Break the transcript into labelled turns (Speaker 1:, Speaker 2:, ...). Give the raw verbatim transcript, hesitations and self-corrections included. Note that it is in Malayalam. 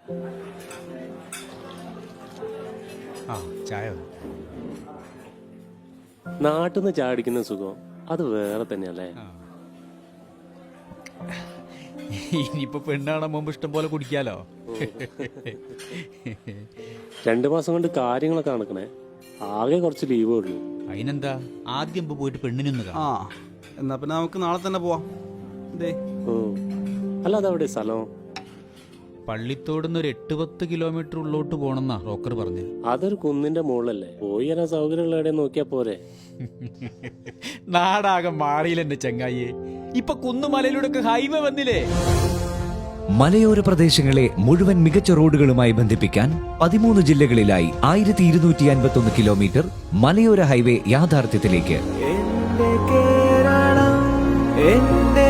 Speaker 1: ആ ചായ.
Speaker 2: നാട്ടിൽ നിന്ന് ചായ അടിക്കുന്ന സുഖം അത് വേറെ തന്നെയല്ലേ.
Speaker 1: ഇനിയിപ്പോ പെണ്ണാണോ മുമ്പ് ഇഷ്ടം പോലെ കുടിക്കാലോ.
Speaker 2: രണ്ടു മാസം കൊണ്ട് കാര്യങ്ങളൊക്കെ നടക്കണേ, ആകെ കുറച്ച് ലീവേ ഉള്ളൂ.
Speaker 1: അതിനെന്താ, ആദ്യം ഇപ്പൊ പോയിട്ട് പെണ്ണിനൊന്ന്
Speaker 3: ആ
Speaker 1: കാണാം.
Speaker 3: എന്നാ പിന്നെ നമുക്ക് നാളെ തന്നെ പോവാം. ഇതേ
Speaker 2: അല്ല അതവിടെ സ്ഥലം?
Speaker 1: പള്ളിത്തോടുന്ന് ഒരു എട്ട് പത്ത് കിലോമീറ്റർ ഉള്ളോട്ട് പോണെന്നാ റോക്കർ പറഞ്ഞു.
Speaker 2: അതൊരു കുന്നിന്റെ മുകളിലല്ലേ, പോയി വരാൻ സൗകര്യമുള്ള എവിടെ നോക്കിയാ പോരെ.
Speaker 1: നാടാകെ മാറിയില്ലെന്റെ ചങ്ങായിയെ. ഇപ്പൊ കുന്നുമലയിലൂടെ ഒക്കെ ഹൈവേ വന്നില്ലേ.
Speaker 4: മലയോര പ്രദേശങ്ങളെ മുഴുവൻ മികച്ച റോഡുകളുമായി ബന്ധിപ്പിക്കാൻ പതിമൂന്ന് ജില്ലകളിലായി ആയിരത്തി ഇരുന്നൂറ്റി അൻപത്തി ഒന്ന് കിലോമീറ്റർ മലയോര ഹൈവേ യാഥാർത്ഥ്യത്തിലേക്ക്.
Speaker 5: എന്റെ കേരളം എന്റെ